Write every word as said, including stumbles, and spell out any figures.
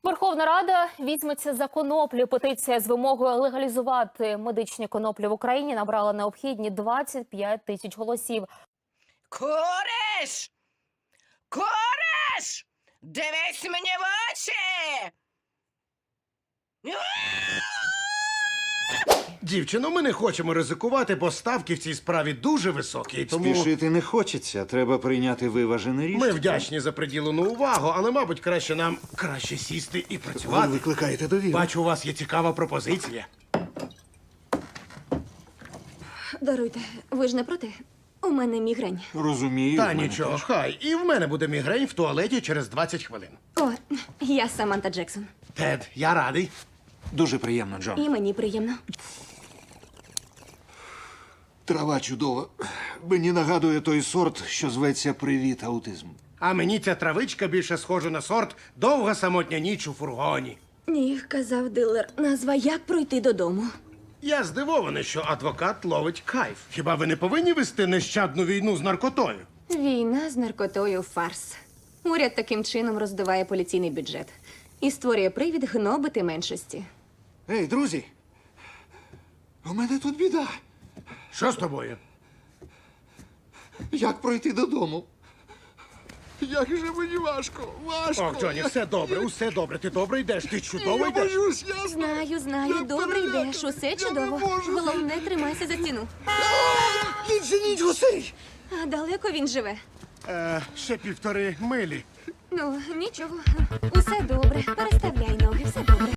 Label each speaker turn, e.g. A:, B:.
A: Верховна Рада візьметься за коноплю. Петиція з вимогою легалізувати медичні коноплі в Україні набрала необхідні двадцять п'ять тисяч голосів.
B: Куриш! Куриш! Дивись мені в очі!
C: Дівчино, ми не хочемо ризикувати, бо ставки в цій справі дуже високі. Тому
D: Спішити не хочеться, треба прийняти виважене рішення.
C: ми вдячні за приділену увагу, але, мабуть, краще нам краще сісти і
D: Ви
C: працювати.
D: викликаєте довіру.
C: Бачу, у вас є цікава пропозиція.
E: Даруйте, ви ж не проти? У мене мігрень.
D: Розумію.
C: Та
D: в мене
C: нічого,
D: теж.
C: хай. І в мене буде мігрень в туалеті через двадцять хвилин.
E: О, я Саманта Джексон.
C: Тед, я радий.
D: Дуже приємно, Джон.
E: І мені приємно.
D: Трава чудова. Мені нагадує той сорт, що зветься «Привіт, аутизм».
C: А мені ця травичка більше схожа на сорт «Довга самотня ніч у фургоні».
E: Ні, казав дилер. Назва «Як пройти додому».
C: Я здивований, що адвокат ловить кайф. Хіба ви не повинні вести нещадну війну з наркотою?
E: Війна з наркотою – фарс. Уряд таким чином роздуває поліційний бюджет і створює привід гнобити меншості.
D: Ей, друзі! У мене тут біда.
C: Що з тобою?
D: Як пройти додому? Як же мені важко, важко.
C: Ох, Джоні, все добре, усе добре. Ти добре йдеш, ти чудово
D: Я
C: йдеш.
D: боюсь, я знаю.
E: Знаю, знаю,
D: Я
E: добре
D: переляканий.
E: йдеш, усе
D: Я
E: чудово.
D: не можу.
E: Головне, тримайся за стіну.
D: Відженіть гусей!
E: А далеко він живе?
C: Е, ще півтори милі.
E: Ну, нічого. Усе добре. Переставляй ноги, все добре.